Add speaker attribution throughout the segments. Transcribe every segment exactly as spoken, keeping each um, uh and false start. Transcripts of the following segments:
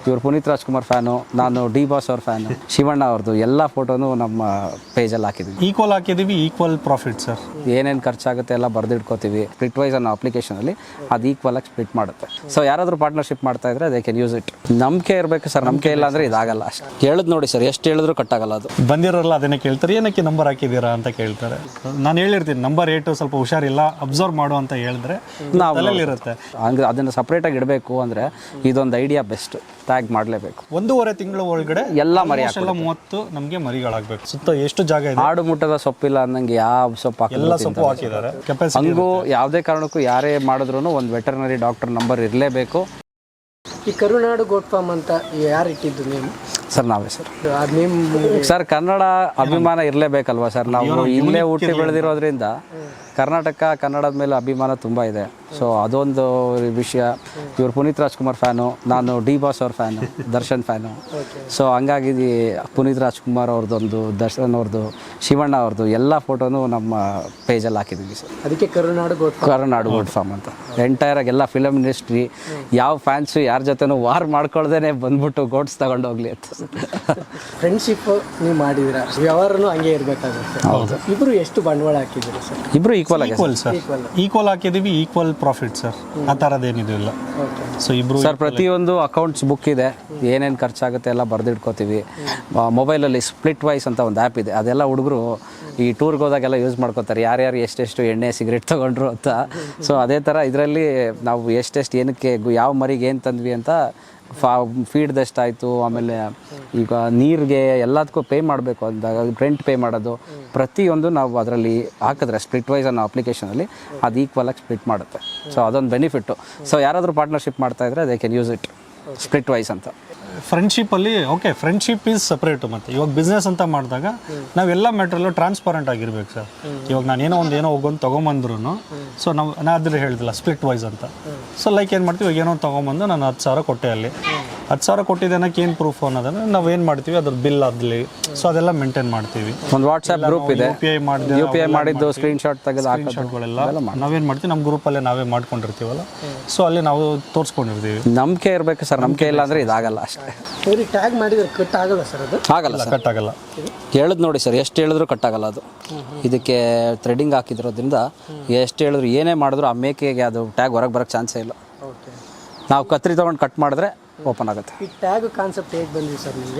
Speaker 1: ಇವ್ರು ಪುನೀತ್ ರಾಜ್ಕುಮಾರ್ ಫ್ಯಾನು, ನಾನು D boss ಅವ್ರ ಫ್ಯಾನು, ಶಿವಣ್ಣ ಅವ್ರದ್ದು ಎಲ್ಲ ಫೋಟೋನು ನಮ್ಮ ಪೇಜಲ್ಲಿ ಹಾಕಿದ್ವಿ.
Speaker 2: ಈಕ್ವಲ್ ಹಾಕಿದ್ದೀವಿ, ಈಕ್ವಲ್ ಪ್ರಾಫಿಟ್ ಸರ್.
Speaker 1: ಏನೇನು ಖರ್ಚಾಗುತ್ತೆ ಎಲ್ಲ ಬರೆದಿಟ್ಕೋತೀವಿ. ಸ್ಪ್ಲಿಟ್ ವೈಸ್ ಅನ್ನೋ ಅಪ್ಲಿಕೇಶನಲ್ಲಿ ಅದು ಈಕ್ವಲ್ ಆಗಿ ಸ್ಪ್ಲಿಟ್ ಮಾಡುತ್ತೆ. ಸೊ ಯಾರಾದರೂ ಪಾರ್ಟ್ನರ್ಶಿಪ್ ಮಾಡ್ತಾ ಇದ್ರೆ ದೇ ಕ್ಯಾನ್ ಯೂಸ್ ಇಟ್. ನಂಬಿಕೆ ಇರಬೇಕು ಸರ್, ನಂಬಿಕೆ ಇಲ್ಲ ಅಂದರೆ ಇದಾಗಲ್ಲ. ಅಷ್ಟು ಕೇಳಿದ್ ನೋಡಿ ಸರ್, ಎಷ್ಟು ಹೇಳಿದ್ರು ಕಟ್ಟಾಗಲ್ಲ. ಅದು
Speaker 2: ಬಂದಿರೋಲ್ಲ ಅದನ್ನೇ ಕೇಳ್ತಾರೆ, ಏನಕ್ಕೆ ನಂಬರ್ ಹಾಕಿದ್ದೀರಾ ಅಂತ ಕೇಳ್ತಾರೆ. ನಾನು ಹೇಳಿರ್ತೀನಿ ನಂಬರ್ ಏಟು ಸ್ವಲ್ಪ ಹುಷಾರಿಲ್ಲ, ಅಬ್ಸರ್ವ್ ಮಾಡು ಅಂತ ಹೇಳಿದ್ರೆ ನಾವು ಇರುತ್ತೆ.
Speaker 1: ಹಂಗೆ ಅದನ್ನು ಸಪ್ರೇಟಾಗಿ ಇಡಬೇಕು ಅಂದರೆ ಇದೊಂದು ಐಡಿಯಾ ಬೆಸ್ಟ್. ಟ್ಯಾಗ್ ಮಾಡಲೇಬೇಕು.
Speaker 2: ಒಂದೂವರೆ ತಿಂಗಳ ಒಳಗಡೆ
Speaker 1: ಎಲ್ಲ ಮರಿ
Speaker 2: ಎಲ್ಲ ಮೂವತ್ತು ನಮಗೆ ಮರಿಗಳಾಗಬೇಕು. ಸುತ್ತ ಎಷ್ಟು ಜಾಗ ಇದೆ,
Speaker 1: ಆಡು ಮುಟ್ಟದ ಸೊಪ್ಪಿಲ್ಲ ಅನ್ನಂಗೆ ಯಾವ ಸೊಪ್ಪು
Speaker 2: ಎಲ್ಲ ಸೊಪ್ಪು ಹಾಕಿದ್ದಾರೆ.
Speaker 1: ಹಂಗೂ ಯಾವುದೇ ಕಾರಣಕ್ಕೂ ಯಾರೇ ಮಾಡಿದ್ರು ಒಂದು ವೆಟರ್ನರಿ ಡಾಕ್ಟರ್ ನಂಬರ್ ಇರಲೇಬೇಕು.
Speaker 3: ಈ ಕರುನಾಡು ಗೋಟ್ ಫಾರ್ಮ್ ಅಂತ ಯಾರು ಇಟ್ಟಿದ್ದು ನೇಮ್?
Speaker 1: ಸರ್ ನಾವೇ ಸರ್.
Speaker 3: ಅದು ನೇಮ್
Speaker 1: ಸರ್ ಕನ್ನಡ ಅಭಿಮಾನ ಇರಲೇಬೇಕಲ್ವಾ ಸರ್. ನಾವು ಇಲ್ಲೇ ಹುಟ್ಟಿ ಬೆಳೆದಿರೋದ್ರಿಂದ ಕರ್ನಾಟಕ ಕನ್ನಡದ ಮೇಲೆ ಅಭಿಮಾನ ತುಂಬ ಇದೆ. ಸೊ ಅದೊಂದು ವಿಷಯ. ಇವ್ರು ಪುನೀತ್ ರಾಜ್ಕುಮಾರ್ ಫ್ಯಾನು, ನಾನು ಡಿ ಬಾಸ್ ಅವ್ರ ಫ್ಯಾನು, ದರ್ಶನ್ ಫ್ಯಾನು. ಸೊ ಹಂಗಾಗಿ ಪುನೀತ್ ರಾಜ್ಕುಮಾರ್ ಅವ್ರದ್ದೊಂದು, ದರ್ಶನ್ ಅವ್ರದ್ದು, ಶಿವಣ್ಣ ಅವ್ರದ್ದು ಎಲ್ಲ ಫೋಟೋನು ನಮ್ಮ ಪೇಜಲ್ಲಿ ಹಾಕಿದ್ದೀವಿ ಸರ್.
Speaker 3: ಅದಕ್ಕೆ ಕರುನಾಡು ಗೋಟ್
Speaker 1: ಕರುನಾಡು ಗೋಟ್ ಫಾರ್ಮ್ ಅಂತ. ಎಂಟೈರ್ ಆಗಿ ಎಲ್ಲ ಫಿಲಮ್ ಇಂಡಸ್ಟ್ರಿ ಯಾವ ಫ್ಯಾನ್ಸು ಯಾರ ಜೊತೆನೂ ವಾರ್ ಮಾಡ್ಕೊಳ್ದೇನೆ ಬಂದ್ಬಿಟ್ಟು ಗೋಟ್ಸ್ ತಗೊಂಡು ಹೋಗ್ಲಿ ಅಂತ.
Speaker 3: ಫ್ರೆಂಡ್ಶಿಪ್ ನೀವು ಮಾಡಿದಿರ, ವ್ಯವಹಾರನೂ ಹಂಗೆ ಇರಬೇಕಾಗುತ್ತೆ.
Speaker 1: ಹೌದು.
Speaker 3: ಇಬ್ಬರು ಎಷ್ಟು ಬಂಡವಾಳ ಹಾಕಿದ್ದೀರಿ ಸರ್?
Speaker 1: ಇಬ್ರು ಈಕ್ವಲ್ ಆಗಿ
Speaker 2: ಈಕ್ವಲ್ ಸರ್, ಈಕ್ವಲ್ ಹಾಕಿದ್ದೀವಿ, ಈಕ್ವಲ್ ಪ್ರಾಫಿಟ್ ಸರ್. ಆ ಥರದ್ದೇನಿದಿಲ್ಲ. ಸೊ ಇಬ್ರು
Speaker 1: ಸರ್ ಪ್ರತಿಯೊಂದು ಅಕೌಂಟ್ಸ್ ಬುಕ್ ಇದೆ, ಏನೇನು ಖರ್ಚಾಗುತ್ತೆ ಎಲ್ಲ ಬರೆದಿಟ್ಕೋತೀವಿ. ಮೊಬೈಲಲ್ಲಿ ಸ್ಪ್ಲಿಟ್ ವೈಸ್ ಅಂತ ಒಂದು ಆ್ಯಪ್ ಇದೆ, ಅದೆಲ್ಲ ಹುಡುಗರು ಈ ಟೂರ್ಗೆ ಹೋದಾಗೆಲ್ಲ ಯೂಸ್ ಮಾಡ್ಕೋತಾರೆ, ಯಾರ್ಯಾರು ಎಷ್ಟೆಷ್ಟು ಎಣ್ಣೆ ಸಿಗರೇಟ್ ತೊಗೊಂಡ್ರು ಅಂತ. ಸೊ ಅದೇ ಥರ ಇದರಲ್ಲಿ ನಾವು ಎಷ್ಟೆಷ್ಟು ಏನಕ್ಕೆ ಯಾವ ಮರಿಗೆ ಏನು ತಂದ್ವಿ ಅಂತ ಫಾ ಫೀಡ್ದೆಷ್ಟಾಯಿತು, ಆಮೇಲೆ ಈಗ ನೀರಿಗೆ ಎಲ್ಲದಕ್ಕೂ ಪೇ ಮಾಡಬೇಕು ಅಂದಾಗ ರೆಂಟ್ ಪೇ ಮಾಡೋದು ಪ್ರತಿಯೊಂದು ನಾವು ಅದರಲ್ಲಿ ಹಾಕಿದ್ರೆ ಸ್ಪ್ಲಿಟ್ ವೈಸ್ ಅನ್ನೋ ಅಪ್ಲಿಕೇಶನಲ್ಲಿ ಅದು ಈಕ್ವಲ್ ಆಗಿ ಸ್ಪ್ಲಿಟ್ ಮಾಡುತ್ತೆ. ಸೊ ಅದೊಂದು ಬೆನಿಫಿಟ್ಟು. ಸೊ ಯಾರಾದರೂ ಪಾರ್ಟ್ನರ್ಶಿಪ್ ಮಾಡ್ತಾ ಇದ್ರೆ they can use it. Splitwise ಅಂತ.
Speaker 2: ಫ್ರೆಂಡ್ಶಿಪ್ಪಲ್ಲಿ ಓಕೆ, ಫ್ರೆಂಡ್ಶಿಪ್ ಈಸ್ ಸಪ್ರೇಟು. ಮತ್ತು ಇವಾಗ ಬಿಸ್ನೆಸ್ ಅಂತ ಮಾಡಿದಾಗ ನಾವೆಲ್ಲ ಮ್ಯಾಟ್ರಲ್ಲೂ ಟ್ರಾನ್ಸ್ಪರೆಂಟ್ ಆಗಿರ್ಬೇಕು ಸರ್. ಇವಾಗ ನಾನು ಏನೋ ಒಂದು ಏನೋ ಹೋಗೊಂದು ತೊಗೊಂಬಂದ್ರು, ಸೊ ನಾವು ನಾ ಅದ್ರ ಹೇಳಿದಿಲ್ಲ ಸ್ಪ್ಲಿಟ್ ವೈಸ್ ಅಂತ. ಸೊ ಲೈಕ್ ಏನು ಮಾಡ್ತೀವಿ, ಇವಾಗ ಏನೋ ತೊಗೊಂಬಂದು ನಾನು ಹತ್ತು ಸಾವಿರ ಕೊಟ್ಟೆ, ಅಲ್ಲಿ ಹತ್ತು ಸಾವಿರ ಕೊಟ್ಟಿದ್ದೆ ಅನ್ನೋಕ್ಕೆ ಏನು ಪ್ರೂಫ್ ಅನ್ನೋದನ್ನು ನಾವು ಏನು ಮಾಡ್ತೀವಿ, ಅದ್ರ ಬಿಲ್ ಆಗಲಿ, ಸೊ ಅದೆಲ್ಲ ಮೇಂಟೈನ್ ಮಾಡ್ತೀವಿ.
Speaker 1: ಒಂದು ವಾಟ್ಸ್ಆ್ಯಪ್ ಗ್ರೂಪ್ ಇದೆ,
Speaker 2: ಯು ಪಿ ಐ ಮಾಡಿದೆ,
Speaker 1: ಯು ಪಿ ಐ ಮಾಡಿದ್ದು ಸ್ಕ್ರೀನ್ ಶಾಟ್ ತೆಗೆದು
Speaker 2: ಶಾಟ್ಗಳೆಲ್ಲ ನಾವೇನು ಮಾಡ್ತೀವಿ, ನಮ್ಮ ಗ್ರೂಪಲ್ಲೇ ನಾವೇ ಮಾಡ್ಕೊಂಡಿರ್ತೀವಲ್ಲ, ಸೊ ಅಲ್ಲಿ ನಾವು ತೋರಿಸ್ಕೊಂಡಿರ್ತೀವಿ.
Speaker 1: ನಂಬಿಕೆ ಇರಬೇಕು ಸರ್, ನಂಬಿಕೆ ಇಲ್ಲ ಅಂದರೆ ಇದಾಗಲ್ಲ. ಅಷ್ಟೇ.
Speaker 3: ಟ್ಯಾಗ್ ಮಾಡಿದ್ರೆ ಕಟ್ ಆಗಲ್ಲ ಸರ್? ಅದು
Speaker 1: ಆಗಲ್ಲ ಸರ್,
Speaker 2: ಕಟ್ ಆಗಲ್ಲ.
Speaker 1: ಹೇಳಿದ್ ನೋಡಿ ಸರ್, ಎಷ್ಟು ಹೇಳಿದ್ರು ಕಟ್ಟಾಗಲ್ಲ. ಅದು ಇದಕ್ಕೆ ಥ್ರೆಡಿಂಗ್ ಹಾಕಿದ್ರೋದ್ರಿಂದ ಎಷ್ಟು ಹೇಳಿದ್ರು ಏನೇ ಮಾಡಿದ್ರು ಆ ಮೇಕೆಗೆ ಅದು ಟ್ಯಾಗ್ ಹೊರಗೆ ಬರೋಕ್ಕೆ ಚಾನ್ಸೇ ಇಲ್ಲ. ನಾವು ಕತ್ರಿ ತೊಗೊಂಡು ಕಟ್ ಮಾಡಿದ್ರೆ ಓಪನ್ ಆಗುತ್ತೆ.
Speaker 3: ಈ ಟ್ಯಾಗ್ ಕಾನ್ಸೆಪ್ಟ್ ಹೇಗೆ ಬಂದಿದೆ ಸರ್ ನಿಮಗೆ?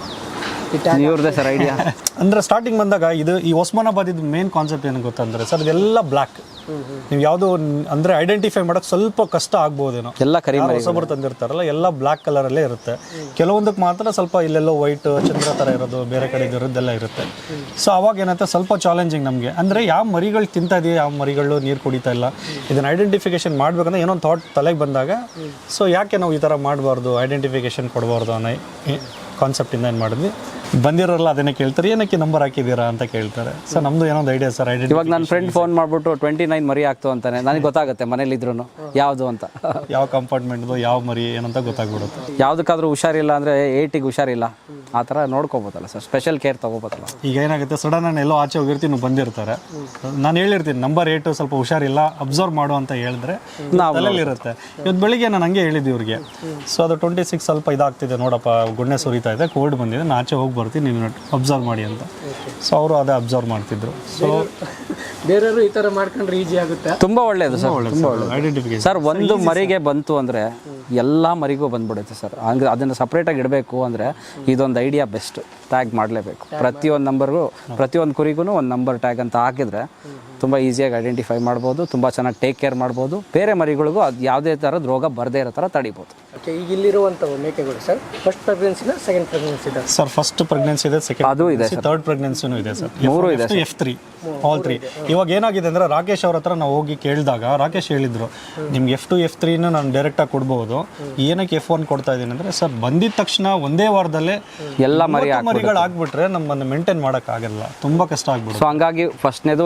Speaker 1: ಇವ್ರದ್ದೇ ಸರ್ ಐಡಿಯಾ.
Speaker 2: ಅಂದರೆ ಸ್ಟಾರ್ಟಿಂಗ್ ಬಂದಾಗ ಇದು ಈ ಒಸ್ಮಾನಾಬಾದ್ ಇದು ಮೇನ್ ಕಾನ್ಸೆಪ್ಟ್ ಏನು ಗೊತ್ತಂದರೆ ಸರ್, ಇದೆಲ್ಲ ಬ್ಲ್ಯಾಕ್. ನೀವು ಯಾವುದು ಅಂದರೆ ಐಡೆಂಟಿಫೈ ಮಾಡೋಕ್ಕೆ ಸ್ವಲ್ಪ ಕಷ್ಟ ಆಗ್ಬೋದೇನೋ.
Speaker 1: ಎಲ್ಲ ಕರಿ
Speaker 2: ಹೊಸಬರು ತಂದಿರ್ತಾರಲ್ಲ, ಎಲ್ಲ ಬ್ಲ್ಯಾಕ್ ಕಲರಲ್ಲೇ ಇರುತ್ತೆ. ಕೆಲವೊಂದಕ್ಕೆ ಮಾತ್ರ ಸ್ವಲ್ಪ ಇಲ್ಲೆಲ್ಲೋ ವೈಟ್ ಚಂದ್ರ ಥರ ಇರೋದು, ಬೇರೆ ಕಡೆ ಇರೋದೆಲ್ಲ ಇರುತ್ತೆ. ಸೊ ಅವಾಗ ಏನಂತ ಸ್ವಲ್ಪ ಚಾಲೆಂಜಿಂಗ್ ನಮಗೆ. ಅಂದರೆ ಯಾವ ಮರಿಗಳು ತಿಂತಾ ಇದೆಯಾ, ಯಾವ ಮರಿಗಳು ನೀರು ಕುಡಿತಾ ಇಲ್ಲ, ಇದನ್ನು ಐಡೆಂಟಿಫಿಕೇಶನ್ ಮಾಡಬೇಕಂದ್ರೆ ಏನೋ ಒಂದು ಥಾಟ್ ತಲೆಗೆ ಬಂದಾಗ, ಸೊ ಯಾಕೆ ನಾವು ಈ ಥರ ಮಾಡಬಾರ್ದು, ಐಡೆಂಟಿಫಿಕೇಶನ್ ಕೊಡಬಾರ್ದು ಅನ್ನೋ ಕಾನ್ಸೆಪ್ಟಿಂದ ಏನು ಮಾಡಿದ್ವಿ. ಬಂದಿರೋಲ್ಲ ಅದನ್ನೇ ಕೇಳ್ತಾರೆ, ಏನಕ್ಕೆ ನಂಬರ್ ಹಾಕಿದ್ದೀರಾ ಅಂತ ಕೇಳ್ತಾರೆ. ಸರ್ ನಮ್ಮದು ಏನೋ ಒಂದು ಐಡಿಯಾ ಸರ್. ಐಡೆಂಟಿ
Speaker 1: ಇವಾಗ ನನ್ನ ಫ್ರೆಂಡ್ ಫೋನ್ ಮಾಡಿಬಿಟ್ಟು ಟ್ವೆಂಟಿ ನೈನ್ ಮರಿ ಆಗ್ತು ಅಂತಾನೆ, ನನಗೆ ಗೊತ್ತಾಗುತ್ತೆ ಮನೇಲಿದ್ರು ಯಾವುದು ಅಂತ,
Speaker 2: ಯಾವ ಕಂಪಾರ್ಟ್ಮೆಂಟ್ದು ಯಾವ ಮರಿ ಏನಂತ ಗೊತ್ತಾಗ್ಬಿಡುತ್ತೆ.
Speaker 1: ಯಾವುದಕ್ಕಾದ್ರೂ ಹುಷಾರಿಲ್ಲ ಅಂದರೆ ಏಟಿಗೆ ಹುಷಾರಿಲ್ಲ ಆ ಥರ ನೋಡ್ಕೋಬೋದಲ್ಲ ಸರ್, ಸ್ಪೆಷಲ್ ಕೇರ್ ತೊಗೋಬೋದಲ್ಲ.
Speaker 2: ಈಗ ಏನಾಗುತ್ತೆ, ಸಡನ್ ನಾನು ಎಲ್ಲೋ ಆಚೆ ಹೋಗಿರ್ತೀನಿ, ಬಂದಿರ್ತಾರೆ, ನಾನು ಹೇಳಿರ್ತೀನಿ ನಂಬರ್ ಏಟು ಸ್ವಲ್ಪ ಹುಷಾರಿಲ್ಲ, ಅಬ್ಸರ್ವ್ ಮಾಡು ಅಂತ ಹೇಳಿದ್ರೆ ತಲೆಯಲ್ಲಿರುತ್ತೆ. ಇವತ್ತು ಬೆಳಿಗ್ಗೆ ನಾನು ಹಂಗೆ ಹೇಳಿದ್ದೆ ಇವ್ರಿಗೆ. ಸೊ ಅದು ಟ್ವೆಂಟಿ ಸಿಕ್ಸ್ ಸ್ವಲ್ಪ ಇದಾಗ್ತಿದೆ ನೋಡಪ್ಪ, ಗುಣ್ಣೆ ಸುರಿತಾ ಇದೆ, ಕೋಲ್ಡ್ ಬಂದಿದೆ, ನಾನು ಆಚೆ ಹೋಗಿ ಬರ್ತೀನಿ, ನೀನು ಅಬ್ಸರ್ವ್ ಮಾಡಿ ಅಂತ. ಸೊ ಅವರು ಅದೇ ಅಬ್ಸರ್ವ್ ಮಾಡ್ತಿದ್ರು. ಸೊ
Speaker 3: ಬೇರೆಯವರು ಈ ಥರ ಮಾಡ್ಕೊಂಡ್ರೆ ಈಸಿ ಆಗುತ್ತೆ.
Speaker 1: ತುಂಬ ಒಳ್ಳೆಯದು ಸರ್, ತುಂಬ ಒಳ್ಳೆಯದು.
Speaker 2: ಐಡೆಂಟಿಫಿಕೇಶನ್
Speaker 1: ಸರ್ ಒಂದು ಮರಿಗೆ ಬಂತು ಅಂದರೆ ಎಲ್ಲ ಮರಿಗೂ ಬಂದ್ಬಿಡುತ್ತೆ ಸರ್. ಹಂಗೆ ಅದನ್ನು ಸಪ್ರೇಟಾಗಿ ಇಡಬೇಕು ಅಂದರೆ ಇದೊಂದು ಐಡಿಯಾ ಬೆಸ್ಟ್. ಟ್ಯಾಗ್ ಮಾಡಲೇಬೇಕು. ಪ್ರತಿಯೊಂದು ನಂಬರ್ಗೂ, ಪ್ರತಿಯೊಂದು ಕುರಿಗೂ ಒಂದು ನಂಬರ್ ಟ್ಯಾಗ್ ಅಂತ ಹಾಕಿದರೆ ತುಂಬ ಈಸಿಯಾಗಿ ಐಡೆಂಟಿಫೈ ಮಾಡ್ಬೋದು, ತುಂಬ ಚೆನ್ನಾಗಿ ಟೇಕ್ ಕೇರ್ ಮಾಡ್ಬೋದು. ಬೇರೆ ಮರಿಗಳಿಗೂ ಅದು ಯಾವುದೇ ಥರದ ರೋಗ ಬರದೇ ಇರೋ ಥರ ತಡಿಬೋದು.
Speaker 3: ಓಕೆ, ಈಗ ಇಲ್ಲಿರುವಂಥವು ಮೇಕೆಗಳು ಸರ್ ಫಸ್ಟ್ ಪ್ರೆಗ್ನೆನ್ಸಿನ ಸೆಕೆಂಡ್ ಪ್ರೆಗ್ನೆನ್ಸಿ ಇದೆ
Speaker 2: ಸರ್? ಫಸ್ಟ್ ಪ್ರೆಗ್ನೆನ್ಸಿ ಇದೆ, ಸೆಕೆಂಡ್
Speaker 1: ಅದು ಇದೆ,
Speaker 2: ಥರ್ಡ್ ಪ್ರೆಗ್ನೆನ್ಸಿನೂ ಇದೆ ಸರ್.
Speaker 1: ಮೂರು ಇದೆ,
Speaker 2: ಎಫ್ ತ್ರೀ ಆಲ್ ತ್ರೀ. ಇವಾಗ ಏನಾಗಿದೆ ಅಂದರೆ, ರಾಕೇಶ್ ಅವ್ರ ಹತ್ರ ನಾವು ಹೋಗಿ ಕೇಳಿದಾಗ ರಾಕೇಶ್ ಹೇಳಿದ್ರು, ನಿಮ್ಗೆ ಎಫ್ ಟು ಎಫ್ ತ್ರೀನ ನಾನು ಡೈರೆಕ್ಟಾಗಿ ಕೊಡ್ಬೋದು, ಏನಕ್ಕೆ ಎಫ್ ಒನ್ ಕೊಡ್ತಾ ಇದ್ದೀನಿ ಅಂದರೆ, ಸರ್ ಬಂದಿದ ತಕ್ಷಣ ಒಂದೇ ವಾರದಲ್ಲೇ
Speaker 1: ಎಲ್ಲ ಮರಿ
Speaker 2: ಮರಿಗಳು ಆಗ್ಬಿಟ್ರೆ ನಮ್ಮನ್ನು ಮೇಂಟೈನ್ ಮಾಡೋಕ್ಕಾಗಲ್ಲ, ತುಂಬ ಕಷ್ಟ ಆಗ್ಬಿಡುತ್ತೆ.
Speaker 1: ಸೊ ಹಂಗಾಗಿ ಫಸ್ಟ್ನೇದು ಇದೆ,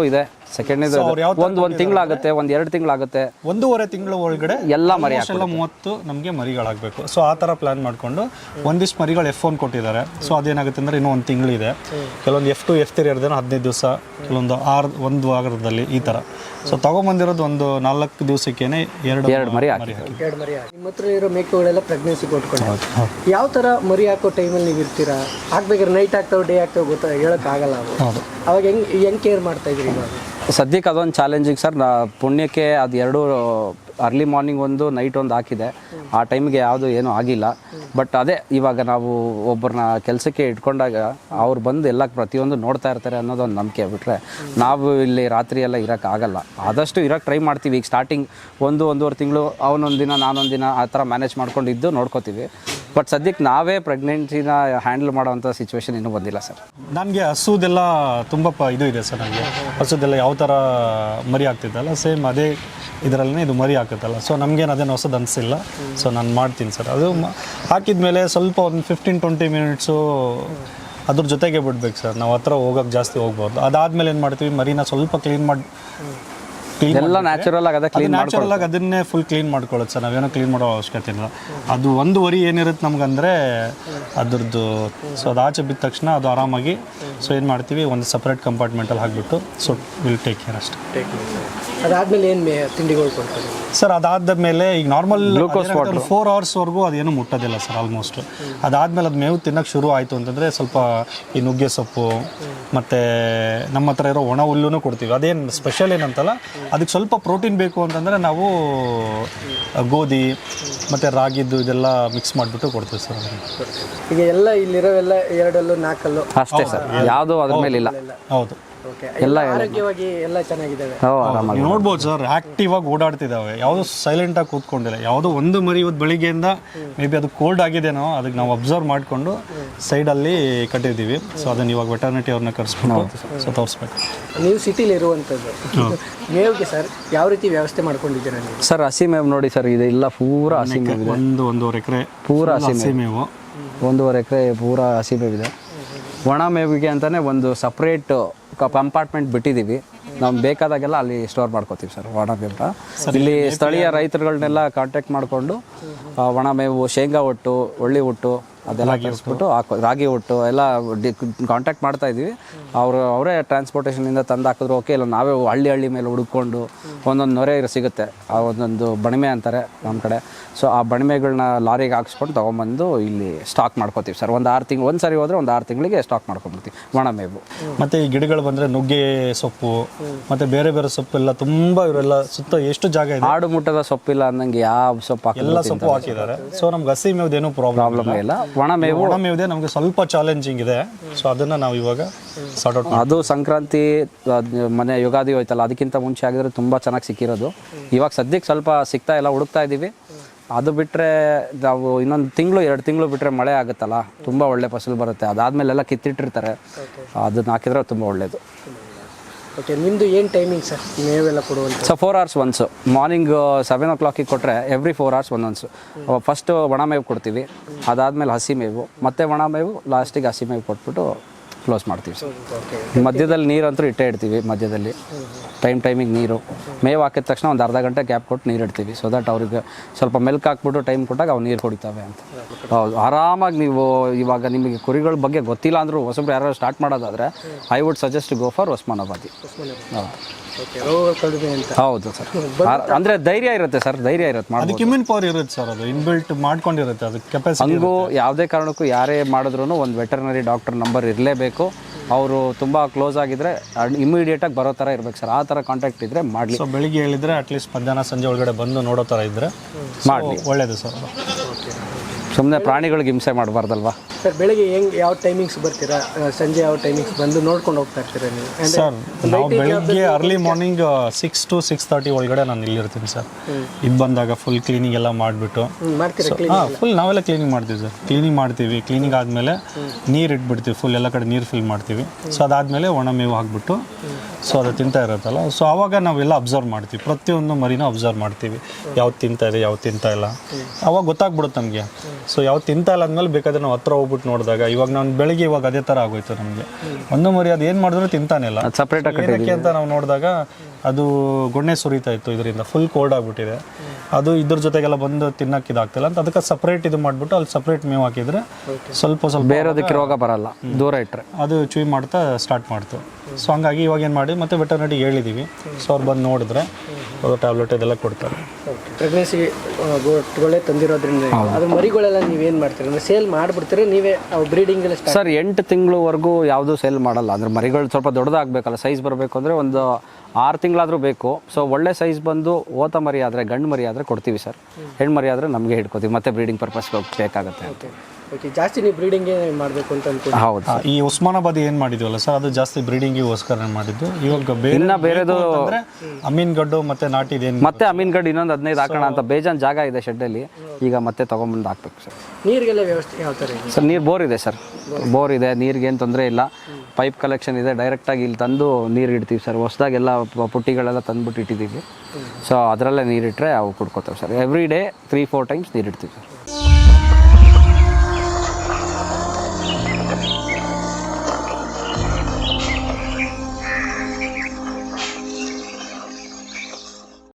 Speaker 1: ಸೆಕೆಂಡ್ನೇದು
Speaker 2: ಅವ್ರು ಯಾವ
Speaker 1: ಒಂದು ಒಂದು ತಿಂಗಳಾಗುತ್ತೆ ಒಂದು ಎರಡು ತಿಂಗಳಾಗುತ್ತೆ
Speaker 2: ಒಂದೂವರೆ ತಿಂಗಳ ಒಳಗಡೆ
Speaker 1: ಎಲ್ಲ ಮರಿ
Speaker 2: ಎಲ್ಲ ಮೂವತ್ತು ನಮಗೆ ಮರಿಗಳಾಗಬೇಕು. ಸೊ ಆ ಥರ ಪ್ಲಾನ್ ಮಾಡಿಕೊಂಡು ಒಂದಿಷ್ಟು ಮರಿಗಳು ಎಫ್ ಒನ್ ಕೊಟ್ಟಿದ್ದಾರೆ. ಸೊ ಅದೇನಾಗುತ್ತೆ ಅಂದರೆ ಇನ್ನೂ ಒಂದು ತಿಂಗಳಿದೆ. ಕೆಲವೊಂದು ಎಫ್ ಟು ಎಫ್ ತ್ರೀ ಇರೋದೇನೋ ಹದಿನೈದು ದಿವಸ, ಕೆಲವೊಂದು ಆರು ಒಂದು ವಾರದಲ್ಲಿ ಈ ಥರ. ಸೊ ತಗೊಂಬಂದಿರೋದು ಒಂದು ನಾಲ್ಕು ದಿವಸಕ್ಕೇನೆ ಎರಡು
Speaker 1: ಎರಡು ಮರಿ ಹಾಕಿ
Speaker 3: ಎರಡು ಮರಿ ಹಾಕಿ. ನಿಮ್ಮ ಹತ್ರ ಇರೋ ಮೇಕೆಗಳೆಲ್ಲ ಪ್ರೆಗ್ನೆನ್ಸಿ ಕೊಟ್ಕೊಂಡು ಯಾವ ಥರ ಮರಿ ಹಾಕೋ ಟೈಮಲ್ಲಿ ನೀವು ಇರ್ತೀರಾ? ಹಾಕ್ಬೇಕಾದ್ರೆ ನೈಟ್ ಆಗ್ತಾವೆ ಡೇ ಆಗ್ತಾವೆ ಗೊತ್ತಾ ಹೇಳೋಕ್ಕಾಗಲ್ಲ. ಅವು ಅವಾಗ ಹೆಂಗೆ ಹೆಂಗೆ ಕೇರ್ ಮಾಡ್ತಾ ಇದ್ರಿ ಇವಾಗ?
Speaker 1: ಸದ್ಯಕ್ಕೆ ಅದೊಂದು ಚಾಲೆಂಜಿಂಗ್ ಸರ್. ನಾ ಪುಣ್ಯಕ್ಕೆ ಅದು ಎರಡು ಅರ್ಲಿ ಮಾರ್ನಿಂಗ್ ಒಂದು ನೈಟ್ ಒಂದು ಹಾಕಿದೆ. ಆ ಟೈಮ್ಗೆ ಯಾವುದು ಏನೂ ಆಗಿಲ್ಲ. ಬಟ್ ಅದೇ ಇವಾಗ ನಾವು ಒಬ್ಬರನ್ನ ಕೆಲಸಕ್ಕೆ ಇಟ್ಕೊಂಡಾಗ ಅವ್ರು ಬಂದು ಎಲ್ಲ ಪ್ರತಿಯೊಂದು ನೋಡ್ತಾ ಇರ್ತಾರೆ ಅನ್ನೋದೊಂದು ನಂಬಿಕೆ. ಬಿಟ್ಟರೆ ನಾವು ಇಲ್ಲಿ ರಾತ್ರಿ ಎಲ್ಲ ಇರೋಕ್ಕಾಗಲ್ಲ. ಆದಷ್ಟು ಇರೋಕ್ಕೆ ಟ್ರೈ ಮಾಡ್ತೀವಿ. ಈಗ ಸ್ಟಾರ್ಟಿಂಗ್ ಒಂದು ಒಂದೂವರೆ ತಿಂಗಳು ಅವನೊಂದು ದಿನ ನಾನೊಂದು ದಿನ ಆ ಥರ ಮ್ಯಾನೇಜ್ ಮಾಡ್ಕೊಂಡಿದ್ದು ನೋಡ್ಕೋತೀವಿ. ಬಟ್ ಸದ್ಯಕ್ಕೆ ನಾವೇ ಪ್ರೆಗ್ನೆನ್ಸಿನ ಹ್ಯಾಂಡಲ್ ಮಾಡೋವಂಥ ಸಿಚುವೇಶನ್ ಇನ್ನೂ ಬಂದಿಲ್ಲ ಸರ್.
Speaker 2: ನನಗೆ ಹಸುದೆಲ್ಲ ತುಂಬ ಪ ಇದು ಇದೆ ಸರ್. ನನಗೆ ಹಸುದೆಲ್ಲ ಯಾವ ಥರ ಮರಿ ಆಗ್ತಿದ್ದಲ್ಲ ಸೇಮ್ ಅದೇ ಇದರಲ್ಲೇ ಇದು ಮರಿ ಹಾಕುತ್ತಲ್ಲ. ಸೊ ನಮಗೇನು ಅದೇನು ಹೊಸದು ಅನಿಸಿಲ್ಲ. ಸೊ ನಾನು ಮಾಡ್ತೀನಿ ಸರ್. ಅದು ಹಾಕಿದ ಮೇಲೆ ಸ್ವಲ್ಪ ಒಂದು ಫಿಫ್ಟೀನ್ ಟ್ವೆಂಟಿ ಮಿನಿಟ್ಸು ಅದ್ರ ಜೊತೆಗೆ ಬಿಡ್ಬೇಕು ಸರ್. ನಾವು ಹತ್ರ ಹೋಗೋಕ್ಕೆ ಜಾಸ್ತಿ ಹೋಗ್ಬಾರ್ದು. ಅದಾದಮೇಲೆ ಏನು ಮಾಡ್ತೀವಿ, ಮರಿನ ಸ್ವಲ್ಪ ಕ್ಲೀನ್ ಮಾಡಿ
Speaker 1: ಎಲ್ಲ ನ್ಯಾಚುರಲ್ ಆಗಿ ಅದೇ ಕ್ಲೀನ್
Speaker 2: ನ್ಯಾಚುರಲ್ ಆಗಿ ಅದನ್ನೇ ಫುಲ್ ಕ್ಲೀನ್ ಮಾಡ್ಕೊಳ್ಳೋದು ಸರ್. ನಾವೇನೋ ಕ್ಲೀನ್ ಮಾಡೋ ಅವಶ್ಯಕತೆ ಇಲ್ಲ. ಅದು ಒಂದು ವರಿ ಏನಿರುತ್ತೆ ನಮ್ಗಂದರೆ ಅದ್ರದ್ದು. ಸೊ ಅದು ಆಚೆ ಬಿದ್ದ ತಕ್ಷಣ ಅದು ಆರಾಮಾಗಿ ಸೊ ಏನು ಮಾಡ್ತೀವಿ, ಒಂದು ಸಪ್ರೇಟ್ ಕಂಪಾರ್ಟ್ಮೆಂಟಲ್ಲಿ ಹಾಕಿಬಿಟ್ಟು ಸೊ ವಿಲ್ ಟೇಕ್ ಕೇರ್ ಅಷ್ಟೇ.
Speaker 3: ಅದಾದ್ಮೇಲೆ ಏನು ಮೇ ತಿಂಡಿಗಳು ಕೊಡ್ತಾರೆ
Speaker 2: ಸರ್? ಅದಾದ ಮೇಲೆ ಈಗ ನಾರ್ಮಲ್ ಫೋರ್ ಅವರ್ಸ್ವರೆಗೂ ಅದೇನು ಮುಟ್ಟೋದಿಲ್ಲ ಸರ್ ಆಲ್ಮೋಸ್ಟ್. ಅದಾದಮೇಲೆ ಅದು ಮೇವು ತಿನ್ನೋಕ್ಕೆ ಶುರು ಆಯಿತು ಅಂತಂದರೆ ಸ್ವಲ್ಪ ಈ ನುಗ್ಗೆ ಸೊಪ್ಪು ಮತ್ತು ನಮ್ಮ ಹತ್ರ ಇರೋ ಒಣ ಹುಲ್ಲೂ ಕೊಡ್ತೀವಿ. ಅದೇನು ಸ್ಪೆಷಲ್ ಏನಂತಲ್ಲ, ಅದಕ್ಕೆ ಸ್ವಲ್ಪ ಪ್ರೋಟೀನ್ ಬೇಕು ಅಂತಂದರೆ ನಾವು ಗೋಧಿ ಮತ್ತು ರಾಗಿದ್ದು ಇದೆಲ್ಲ ಮಿಕ್ಸ್ ಮಾಡಿಬಿಟ್ಟು ಕೊಡ್ತೀವಿ ಸರ್.
Speaker 3: ಈಗ ಎಲ್ಲ ಇಲ್ಲಿರೋವೆಲ್ಲ ಎರಡಲ್ಲೂ ನಾಲ್ಕಲ್ಲೂ
Speaker 1: ಅಷ್ಟೇ ಸರ್, ಯಾವುದೂ ಅದ್ರ ಮೇಲೆ ಇಲ್ಲ.
Speaker 2: ಹೌದು,
Speaker 3: ಎಲ್ಲ ಆರೋಗ್ಯವಾಗಿ ಎಲ್ಲ ಚೆನ್ನಾಗಿದ್ದಾವೆ.
Speaker 2: ನೀವು ನೋಡ್ಬೋದು ಸರ್, ಆಕ್ಟಿವ್ ಆಗಿ ಓಡಾಡ್ತಿದ್ದಾವೆ. ಯಾವುದೋ ಸೈಲೆಂಟ್ ಆಗಿ ಕೂತ್ಕೊಂಡಿಲ್ಲ. ಯಾವುದೋ ಒಂದು ಮರಿ ಇವತ್ತು ಬೆಳಿಗ್ಗೆಯಿಂದ ಮೇ ಬಿ ಅದು ಕೋಲ್ಡ್ ಆಗಿದೆನೋ, ಅದಕ್ಕೆ ನಾವು ಅಬ್ಸರ್ವ್ ಮಾಡಿಕೊಂಡು ಸೈಡಲ್ಲಿ ಕಟ್ಟಿದ್ದೀವಿ. ಸೊ ಅದನ್ನು ಇವಾಗ ವೆಟರ್ನಿಟಿ ಅವ್ರನ್ನ ಕರೆಸ್ಬಿಟ್ಟು ಸೊ ತೋರಿಸ್ಬೇಕು.
Speaker 3: ನೀವು ಸಿಟಿಲಿ ಇರುವಂಥದ್ದು ಮೇವಿಗೆ ಸರ್ ಯಾವ ರೀತಿ ವ್ಯವಸ್ಥೆ ಮಾಡ್ಕೊಂಡಿದ್ದೀರಾ ನೀವು?
Speaker 1: ಸರ್ ಹಸಿ ಮೇವು ನೋಡಿ ಸರ್, ಇದು ಇಲ್ಲ ಪೂರ ಹಸಿ ಮೇವು ಇದೆ.
Speaker 2: ಒಂದು ಒಂದೂವರೆ ಎಕರೆ
Speaker 1: ಪೂರ ಹಸಿ
Speaker 2: ಮೇವು,
Speaker 1: ಒಂದೂವರೆ ಎಕರೆ ಪೂರ ಹಸಿ ಮೇವಿದೆ. ಒಣ ಮೇವಿಗೆ ಅಂತಲೇ ಒಂದು ಸಪ್ರೇಟ್ ಕಂಪಾರ್ಟ್ಮೆಂಟ್ ಬಿಟ್ಟಿದ್ದೀವಿ. ನಾವು ಬೇಕಾದಾಗೆಲ್ಲ ಅಲ್ಲಿ ಸ್ಟೋರ್ ಮಾಡ್ಕೋತೀವಿ ಸರ್ ಒಣ ಮೇವು. ಇಲ್ಲಿ ಸ್ಥಳೀಯ ರೈತರುಗಳನ್ನೆಲ್ಲ ಕಾಂಟ್ಯಾಕ್ಟ್ ಮಾಡಿಕೊಂಡು ಒಣ ಮೇವು, ಶೇಂಗಾ ಒಟ್ಟು, ಒಳ್ಳಿ ಒಟ್ಟು ಅದೆಲ್ಲ ಕಳಿಸ್ಬಿಟ್ಟು ಹಾಕೋ, ರಾಗಿ ಒಟ್ಟು ಎಲ್ಲ ಡಿ ಕಾಂಟ್ಯಾಕ್ಟ್ ಮಾಡ್ತಾ ಇದ್ದೀವಿ. ಅವರು ಅವರೇ ಟ್ರಾನ್ಸ್ಪೋರ್ಟೇಷನಿಂದ ತಂದು ಹಾಕಿದ್ರು ಓಕೆ. ಇಲ್ಲ ನಾವೇ ಹಳ್ಳಿ ಹಳ್ಳಿ ಮೇಲೆ ಹುಡುಕೊಂಡು ಒಂದೊಂದು ನೊರೆ ಸಿಗುತ್ತೆ, ಆ ಒಂದೊಂದು ಬಣಿಮೆ ಅಂತಾರೆ ನಮ್ಮ ಕಡೆ. ಸೊ ಆ ಬಣಿಮೆಗಳನ್ನ ಲಾರಿಗೆ ಹಾಕ್ಸ್ಕೊಂಡು ತೊಗೊಂಬಂದು ಇಲ್ಲಿ ಸ್ಟಾಕ್ ಮಾಡ್ಕೋತೀವಿ ಸರ್. ಒಂದು ಆರು ತಿಂಗಳು ಒಂದು ಸರಿ ಹೋದರೆ ಒಂದು ಆರು ತಿಂಗಳಿಗೆ ಸ್ಟಾಕ್ ಮಾಡ್ಕೊಂಡ್ಬಿಡ್ತೀವಿ ಒಣ ಮೇವು.
Speaker 2: ಮತ್ತು ಈ ಗಿಡಗಳು ಬಂದರೆ ನುಗ್ಗೆ ಸೊಪ್ಪು ಮತ್ತು ಬೇರೆ ಬೇರೆ ಸೊಪ್ಪು ಎಲ್ಲ ತುಂಬ ಇವರೆಲ್ಲ ಸುತ್ತ ಎಷ್ಟು ಜಾಗ ಇದೆ.
Speaker 1: ಆಡು ಮುಟ್ಟದ ಸೊಪ್ಪಿಲ್ಲ ಅನ್ನಂಗೆ ಯಾವ ಸೊಪ್ಪು
Speaker 2: ಎಲ್ಲ ಸೊಪ್ಪು ಹಾಕಿದ್ದಾರೆ. ಸೊ ನಮ್ಗೆ ಹಸಿ ಮೇವ್ದೇನೂ ಪ್ರಾಬ್ಲಮ್
Speaker 1: ಇಲ್ಲ. ಒಣ ಮೇವು
Speaker 2: ಒಣ ಮೇವ್ದೆ ನಮಗೆ ಸ್ವಲ್ಪ ಚಾಲೆಂಜಿಂಗ್ ಇದೆ. ಸೊ ಅದನ್ನು ನಾವು ಇವಾಗ ಸಾರ್ಟ್ ಔಟ್.
Speaker 1: ಅದು ಸಂಕ್ರಾಂತಿ ಮನೆ ಯುಗಾದಿ ಹೋಯ್ತಲ್ಲ, ಅದಕ್ಕಿಂತ ಮುಂಚೆ ಆಗಿದ್ರೆ ತುಂಬ ಚೆನ್ನಾಗಿ ಸಿಕ್ಕಿರೋದು. ಇವಾಗ ಸದ್ಯಕ್ಕೆ ಸ್ವಲ್ಪ ಸಿಗ್ತಾ ಇಲ್ಲ, ಹುಡುಕ್ತಾ ಇದ್ದೀವಿ. ಅದು ಬಿಟ್ಟರೆ ನಾವು ಇನ್ನೊಂದು ತಿಂಗಳು ಎರಡು ತಿಂಗಳು ಬಿಟ್ಟರೆ ಮಳೆ ಆಗುತ್ತಲ್ಲ, ತುಂಬ ಒಳ್ಳೆ ಫಸಲು ಬರುತ್ತೆ. ಅದಾದಮೇಲೆಲ್ಲ ಕಿತ್ತಿಟ್ಟಿರ್ತಾರೆ, ಅದನ್ನ ಹಾಕಿದ್ರೆ ತುಂಬ ಒಳ್ಳೆಯದು.
Speaker 3: ಓಕೆ, ನಿಮ್ಮದು ಏನು ಟೈಮಿಂಗ್ ಸರ್ ಮೇವೆಲ್ಲ ಕೊಡುವಂಥ?
Speaker 1: So four hours once. Morning seven ಓ ಕ್ಲಾಕಿಗೆ ಕೊಟ್ಟರೆ ಎವ್ರಿ ಫೋರ್ ಅವರ್ಸ್ ಒಂದೊಂದು. ಫಸ್ಟು ಒಣ ಮೇವು ಕೊಡ್ತೀವಿ, ಅದಾದಮೇಲೆ ಹಸಿ ಮೇವು, ಮತ್ತು ಒಣ ಮೇವು, ಲಾಸ್ಟಿಗೆ ಹಸಿ ಮೇವು ಕೊಟ್ಬಿಟ್ಟು ಕ್ಲೋಸ್ ಮಾಡ್ತೀವಿ ಸರ್. ಮಧ್ಯದಲ್ಲಿ ನೀರಂತೂ ಇಟ್ಟೇ ಇಡ್ತೀವಿ. ಮಧ್ಯದಲ್ಲಿ ಟೈಮ್ ಟೈಮಿಗೆ ನೀರು, ಮೇವು ಹಾಕಿದ ತಕ್ಷಣ ಒಂದು ಅರ್ಧ ಗಂಟೆ ಗ್ಯಾಪ್ ಕೊಟ್ಟು ನೀರು ಇಡ್ತೀವಿ. ಸೊ ದಟ್ ಅವ್ರಿಗೆ ಸ್ವಲ್ಪ ಮೆಲ್ಕ್ ಹಾಕ್ಬಿಟ್ಟು ಟೈಮ್ ಕೊಟ್ಟಾಗ ಅವು ನೀರು ಕುಡಿತವೆ ಅಂತ. ಹೌದು, ಆರಾಮಾಗಿ ನೀವು ಇವಾಗ ನಿಮಗೆ ಕುರಿಗಳ ಬಗ್ಗೆ ಗೊತ್ತಿಲ್ಲ ಅಂದರೂ ಹೊಸಬ್ರು ಯಾರು ಸ್ಟಾರ್ಟ್ ಮಾಡೋದಾದರೆ I would suggest go for Osmanabadi. ಹೌದು ಸರ್, ಅಂದರೆ ಧೈರ್ಯ ಇರುತ್ತೆ ಸರ್, ಧೈರ್ಯ ಇರುತ್ತೆ.
Speaker 2: ಅದಕ್ಕೆ ಇಮ್ಯೂನ್ ಪವರ್ ಇರುತ್ತೆ ಸರ್, ಅದು ಇನ್ಬಿಲ್ಟ್ ಮಾಡ್ಕೊಂಡಿರುತ್ತೆ ಅದಕ್ಕೆ ಕೆಪಾಸಿಟಿ.
Speaker 1: ಹಂಗೂ ಯಾವುದೇ ಕಾರಣಕ್ಕೂ ಯಾರೇ ಮಾಡಿದ್ರು ಒಂದು ವೆಟರ್ನರಿ ಡಾಕ್ಟರ್ ನಂಬರ್ ಇರಲೇಬೇಕು. ಅವರು ತುಂಬ ಕ್ಲೋಸ್ ಆಗಿದ್ದರೆ ಇಮಿಡಿಯೇಟಾಗಿ ಬರೋ ಥರ ಇರಬೇಕು ಸರ್. ಆ ಥರ ಕಾಂಟ್ಯಾಕ್ಟ್ ಇದ್ದರೆ ಮಾಡಲಿ.
Speaker 2: ಸೊ ಬೆಳಿಗ್ಗೆ ಹೇಳಿದರೆ ಅಟ್ಲೀಸ್ಟ್ ಮಧ್ಯಾಹ್ನ ಸಂಜೆ ಒಳಗಡೆ ಬಂದು ನೋಡೋ ಥರ ಇದ್ದರೆ
Speaker 1: ಮಾಡಲಿ,
Speaker 2: ಒಳ್ಳೆಯದು ಸರ್.
Speaker 1: ಸುಮ್ಮನೆ ಪ್ರಾಣಿಗಳಿಗೆ ಹಿಂಸೆ ಮಾಡಬಾರ್ದಲ್ವಾ
Speaker 3: ಸರ್? ಬೆಳಿಗ್ಗೆ ಹೆಂಗೆ ಯಾವ ಟೈಮಿಂಗ್ಸ್ ಬರ್ತೀರಾ, ಸಂಜೆ ಯಾವ ಟೈಮಿಂಗ್ಸ್ ಬಂದು ನೋಡ್ಕೊಂಡು ಹೋಗ್ತಾ ಇರ್ತೀರಾ ನೀವು?
Speaker 2: ಸರ್ ನಾವು ಬೆಳಿಗ್ಗೆ early morning six to six thirty ಒಳಗಡೆ ನಾನು ಇಲ್ಲಿರ್ತೀನಿ ಸರ್. ಇದು ಬಂದಾಗ ಫುಲ್ ಕ್ಲೀನಿಂಗ್ ಎಲ್ಲ ಮಾಡಿಬಿಟ್ಟು ಹಾಂ ಫುಲ್ ನಾವೆಲ್ಲ ಕ್ಲೀನಿಂಗ್ ಮಾಡ್ತೀವಿ ಸರ್. ಕ್ಲೀನಿಂಗ್ ಮಾಡ್ತೀವಿ, ಕ್ಲೀನಿಂಗ್ ಆದಮೇಲೆ ನೀರು ಇಟ್ಬಿಡ್ತೀವಿ, ಫುಲ್ ಎಲ್ಲ ಕಡೆ ನೀರು ಫಿಲ್ ಮಾಡ್ತೀವಿ. ಸೊ ಅದಾದಮೇಲೆ ಒಣ ಮೇವು ಹಾಕ್ಬಿಟ್ಟು ಸೊ ಅದು ತಿಂತಾ ಇರುತ್ತಲ್ಲ, ಸೊ ಆವಾಗ ನಾವೆಲ್ಲ ಅಬ್ಸರ್ವ್ ಮಾಡ್ತೀವಿ. ಪ್ರತಿಯೊಂದು ಮರಿನೂ ಅಬ್ಸರ್ವ್ ಮಾಡ್ತೀವಿ, ಯಾವ್ದು ತಿಂತಾ ಇದೆ ಯಾವ್ದು ತಿಂತಾ ಇಲ್ಲ. ಆವಾಗ ಗೊತ್ತಾಗ್ಬಿಡುತ್ತೆ ನಮಗೆ. ಸೊ ಯಾವ್ದು ತಿಂತಾ ಇಲ್ಲ ಅಂದಮೇಲೆ ಬೇಕಾದ್ರೆ ನಾವು ಹತ್ರ ಹೋಗ್ಬಿಟ್ಟು ಹೋಗ್ಬಿಟ್ಟು ನೋಡಿದಾಗ ಇವಾಗ ನಾನು ಬೆಳಿಗ್ಗೆ ಇವಾಗ ಅದೇ ಥರ ಆಗೋಯ್ತು ನಮಗೆ. ಒಂದು ಮರಿ ಅದು ಏನು ಮಾಡಿದ್ರು ತಿಂತಾನೆ ಇಲ್ಲ.
Speaker 1: ಸಪ್ರೇಟಾಗಿ
Speaker 2: ಏನಕ್ಕೆ ಅಂತ ನಾವು ನೋಡಿದಾಗ ಅದು ಗೊಣ್ಣೆ ಸುರಿತಾ ಇತ್ತು, ಇದರಿಂದ ಫುಲ್ ಕೋಲ್ಡ್ ಆಗಿಬಿಟ್ಟಿದೆ. ಅದು ಇದ್ರ ಜೊತೆಗೆಲ್ಲ ಬಂದು ತಿನ್ನಕ್ಕೆ ಇದಾಗ್ತಿಲ್ಲ ಅಂತ ಅದಕ್ಕೆ ಸಪ್ರೇಟ್ ಇದು ಮಾಡಿಬಿಟ್ಟು ಅಲ್ಲಿ ಸಪ್ರೇಟ್ ಮೇವು ಹಾಕಿದ್ರೆ ಸ್ವಲ್ಪ ಸ್ವಲ್ಪ
Speaker 1: ಬೇರೆದಕ್ಕೆ ರೋಗ ಬರಲ್ಲ, ದೂರ ಇಟ್ಟರೆ
Speaker 2: ಅದು ಚೂಯ್ ಮಾಡ್ತಾ ಸ್ಟಾರ್ಟ್ ಮಾಡ್ತು. ಸೊ ಹಂಗಾಗಿ ಇವಾಗ ಏನು ಮಾಡಿ ಮತ್ತೆ ವೆಟರ್ನರಿಗೆ ಹೇಳಿದ್ದೀವಿ. ಸೊ ಅವ್ರು ಬಂದು ನೋಡಿದ್ರೆ ಟ್ಯಾಬ್ಲೆಟ್ ಇದೆಲ್ಲ ಕೊಡ್ತಾರೆ.
Speaker 3: ಪ್ರೆಗ್ನೆನ್ಸಿ ಗೋಟ್ಗಳೇ ತಂದಿರೋದ್ರಿಂದ ಅದು ಮರಿಗಳೆಲ್ಲ ನೀವೇನು ಮಾಡ್ತೀರಿ ಅಂದರೆ ಸೇಲ್ ಮಾಡಿಬಿಡ್ತೀರಿ ನೀವೇ ಬ್ರೀಡಿಂಗ್ ಎಲ್ಲ ಸ್ಟಾರ್ಟ್?
Speaker 1: ಸರ್ ಎಂಟು ತಿಂಗಳವರೆಗೂ ಯಾವುದೂ ಸೇಲ್ ಮಾಡಲ್ಲ. ಅಂದರೆ ಮರಿಗಳು ಸ್ವಲ್ಪ ದೊಡ್ಡದಾಗಬೇಕಲ್ಲ, ಸೈಜ್ ಬರಬೇಕು ಅಂದರೆ ಒಂದು ಆರು ತಿಂಗಳಾದರೂ ಬೇಕು. ಸೊ ಒಳ್ಳೆ ಸೈಜ್ ಬಂದು ಓತ ಮರಿ ಆದರೆ, ಗಂಡು ಮರಿ ಆದರೆ ಕೊಡ್ತೀವಿ ಸರ್. ಹೆಣ್ಣು ಮರಿ ಆದರೆ ನಮಗೆ ಹಿಡ್ಕೋತೀವಿ, ಮತ್ತೆ ಬ್ರೀಡಿಂಗ್ ಪರ್ಪಸ್ಗೆ ಬೇಕಾಗುತ್ತೆ.
Speaker 3: ಓಕೆ ಓಕೆ ಜಾಸ್ತಿ ನೀವು ಬ್ರೀಡಿಂಗೇ ಮಾಡಬೇಕು ಅಂತ ಅನ್ಕೊಂಡು?
Speaker 1: ಹೌದು.
Speaker 2: ಈ ಉಸ್ಮಾನಾಬಾದ್ ಏನು ಮಾಡಿದ್ವಲ್ಲ ಸರ್, ಅದು ಜಾಸ್ತಿ ಬ್ರೀಡಿಂಗಿಗೋಸ್ಕರ ಮಾಡಿದ್ದು. ಇವಾಗ
Speaker 1: ಇನ್ನು ಬೇರೆದು
Speaker 2: ಅಂದರೆ ಅಮೀನ್ಗಡ್ಡು ಮತ್ತೆ ನಾಟಿದೇನು
Speaker 1: ಮತ್ತೆ ಅಮೀನ್ಗಡ್ ಇನ್ನೊಂದು ಹದಿನೈದು ಹಾಕೋಣ ಅಂತ ಬೇಜಾನ್ ಜಾಗ ಇದೆ ಶೆಡ್ಡಲ್ಲಿ. ಈಗ ಮತ್ತೆ ತೊಗೊಂಬಂದು ಹಾಕ್ಬೇಕು ಸರ್.
Speaker 3: ನೀರಿಗೆಲ್ಲ ವ್ಯವಸ್ಥೆ ಯಾವ ಥರ ಇದೆ
Speaker 1: ಸರ್? ನೀರು ಬೋರ್ ಇದೆ ಸರ್, ಬೋರ್ ಇದೆ, ನೀರಿಗೇನು ತೊಂದರೆ ಇಲ್ಲ. ಪೈಪ್ ಕಲೆಕ್ಷನ್ ಇದೆ, ಡೈರೆಕ್ಟಾಗಿ ಇಲ್ಲಿ ತಂದು ನೀರು ಇಡ್ತೀವಿ ಸರ್. ಹೊಸದಾಗೆಲ್ಲ ಪುಟ್ಟಿಗಳೆಲ್ಲ ತಂದುಬಿಟ್ಟು ಇಟ್ಟಿದ್ದೀವಿ. ಸೊ ಅದರಲ್ಲೇ ನೀರಿಟ್ಟರೆ ಅವು ಕುಡ್ಕೋತೇವೆ sir. Every day three four times ನೀರು ಇಡ್ತೀವಿ ಸರ್.